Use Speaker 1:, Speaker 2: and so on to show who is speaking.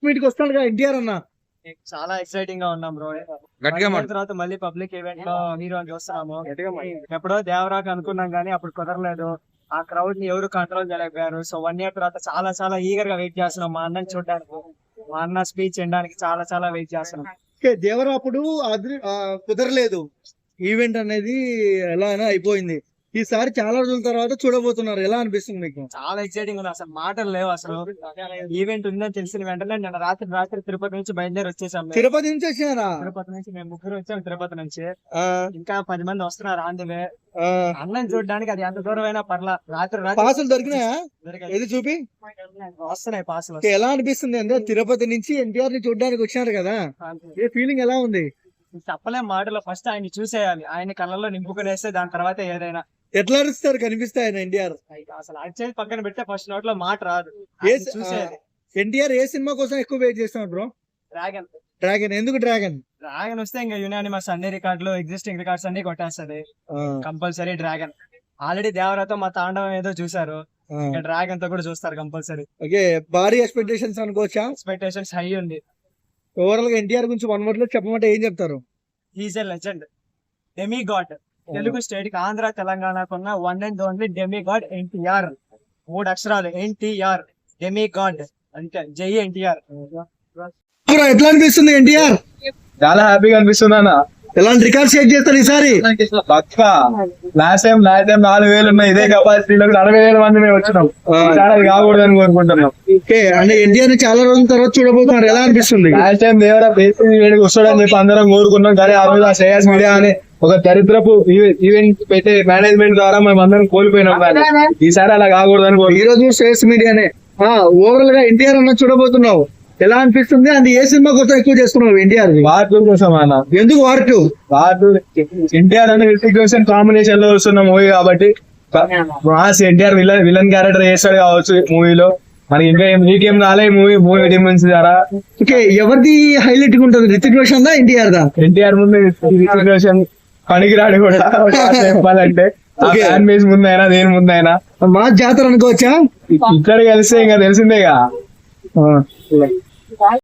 Speaker 1: మీటికి వస్తాడు ఎన్టీఆర్ అన్న.
Speaker 2: చాలా ఎక్సైటింగ్ గా ఉన్నాం బ్రో. తర్వాత మళ్ళీ పబ్లిక్ ఈవెంట్ లో హీరోని చూస్తున్నాము. ఎప్పుడో దేవరాకు అనుకున్నాం కానీ అప్పుడు కుదరలేదు. ఆ క్రౌడ్ ని ఎవరు కంట్రోల్ చేయలేకపోయారు. సో 1 year తర్వాత చాలా చాలా ఈగర్ గా వెయిట్ చేస్తున్నాం మా అన్నని చూడడానికి, మా అన్న స్పీచ్ వినడానికి చాలా చాలా వెయిట్ చేస్తున్నాం.
Speaker 1: దేవరా అప్పుడు కుదరలేదు, ఈవెంట్ అనేది ఎలా అయినా అయిపోయింది. ఈసారి చాలా రోజుల తర్వాత చూడబోతున్నారు, ఎలా అనిపిస్తుంది మీకు?
Speaker 2: చాలా ఎక్సైటింగ్ ఉంది, అసలు మాటలు లేవు. అసలు ఈవెంట్ ఉందని తెలిసిన వెంటనే నేను రాత్రి తిరుపతి నుంచి బయలుదేరి వచ్చేసాం.
Speaker 1: తిరుపతి నుంచి వచ్చారా?
Speaker 2: తిరుపతి నుంచి మేము 3 వచ్చాం తిరుపతి నుంచి. ఇంకా 10 మంది వస్తున్నారు ఆన్ ది వే. అన్నం చూడడానికి అది ఎంత దూరం అయినా పర్లా. రాత్రి
Speaker 1: పాసులు దొరికినాయా? ఏది చూపి
Speaker 2: వస్తున్నాయి పాసులు.
Speaker 1: ఎలా అనిపిస్తుంది అంటే తిరుపతి నుంచి ఎన్టీఆర్ ని చూడడానికి వచ్చినారు కదా, ఏ ఫీలింగ్ ఎలా ఉంది?
Speaker 2: చెప్పలేం మాటలో. ఫస్ట్ ఆయన చూసేయాలి, ఆయన కళ్ళల్లో నింపుకునేస్తే దాని తర్వాత ఏదైనా.
Speaker 1: ఎట్లా అరుస్తారు కనిపిస్తాయి ఆయన ఎన్టీఆర్?
Speaker 2: అసలు అరిచేది పక్కన పెడితే ఫస్ట్ నోట్ లో మాట రాదు. చూసేది.
Speaker 1: ఎన్టీఆర్ ఏ సినిమా కోసం ఎక్కువ వెయిట్ చేస్తున్నారు బ్రో?
Speaker 2: డ్రాగన్.
Speaker 1: డ్రాగన్ ఎందుకు డ్రాగన్?
Speaker 2: డ్రాగన్ వస్తే ఇంకా యునానిమస్ అన్ని రికార్డులు, ఎగ్జిస్టింగ్ రికార్డ్స్ అన్ని కొట్టేస్తది కంపల్సరీ డ్రాగన్. ఆల్రెడీ దేవరాతో మా తాండవం ఏదో చూసారు, డ్రాగన్ తో కూడా చూస్తారు కంపల్సరీ.
Speaker 1: ఓకే, భారీ ఎక్స్పెక్టేషన్స్ అనుకోవచ్చా?
Speaker 2: ఎక్స్పెక్టేషన్స్ హై ఉంది.
Speaker 1: ఓవరాల్ గా ఎన్టీఆర్ గురించి 1 word లో చెప్పమంటే ఏం చెప్తారు?
Speaker 2: He's a legend, demi god. Telugu state కి, ఆంధ్ర తెలంగాణకున్న one and only demi god NTR. 3 అక్షరాలు ఎన్టీఆర్, డెమి గాడ్ అంటే జై ఎన్టీఆర్.
Speaker 1: ఎట్లా అనిపిస్తుంది ఎన్టీఆర్?
Speaker 3: చాలా హ్యాపీగా అనిపిస్తుంది అన్న.
Speaker 1: ఎలాంటి రికార్డ్ షేక్ చేస్తారు ఈసారి?
Speaker 3: లాస్ట్ టైం 4,000 ఉన్నాయి, ఇదే కెపాసిటీలో 60,000 మంది మేము వచ్చినాం. అది కాకూడదని కోరుకుంటున్నాం.
Speaker 1: ఓకే, అంటే ఎన్టీఆర్ ని చాలా రోజుల తర్వాత చూడబోతున్నారు, ఎలా అనిపిస్తుంది?
Speaker 3: లాస్ట్ టైం దేవరా వస్తాడని చెప్పి అందరం కోరుకున్నాం, కానీ ఆ రోజు ఆ శ్రేయస్ మీడియా అనే ఒక దరిద్రపు ఈవెంట్ పెట్టే మేనేజ్మెంట్ ద్వారా మేము అందరం కోల్పోయినాం. ఈసారి అలా కాకూడదని
Speaker 1: ఈ రోజు శ్రేయస్ మీడియానే. ఓవరాల్ గా ఎన్టీఆర్ అన్న చూడబోతున్నావు, ఎలా అనిపిస్తుంది? అది ఏ సినిమా కోసం ఎక్కువ చేస్తున్నావు ఎన్టీఆర్?
Speaker 3: వార్ 2 కోసం అన్న.
Speaker 1: ఎందుకు వార్ 2?
Speaker 3: ఎన్టీఆర్ అంటే రితిక్ రోషన్ కాంబినేషన్ లో వస్తున్న మూవీ కాబట్టి మాస్ ఎన్టీఆర్ విలన్ క్యారెక్టర్ చేస్తాడు కావచ్చు మూవీలో. మనకి ఇంకా నీకేం రాలే మూవీ డిమెన్స్ ద్వారా.
Speaker 1: ఓకే, ఎవరిది హైలైట్ గా ఉంటుంది, రితిక్ రోషన్ దా ఎన్టీఆర్ దా?
Speaker 3: ఎన్టీఆర్ ముందు రితిక్ రోషన్ పనికిరాడు కూడా చెప్పాలంటే. ఫ్యాన్ బేస్ ముందైనా దేని ముందైనా
Speaker 1: మా జాతర అనుకోవచ్చా?
Speaker 3: ఇక్కడ కలిస్తే ఇంకా తెలిసిందేగా.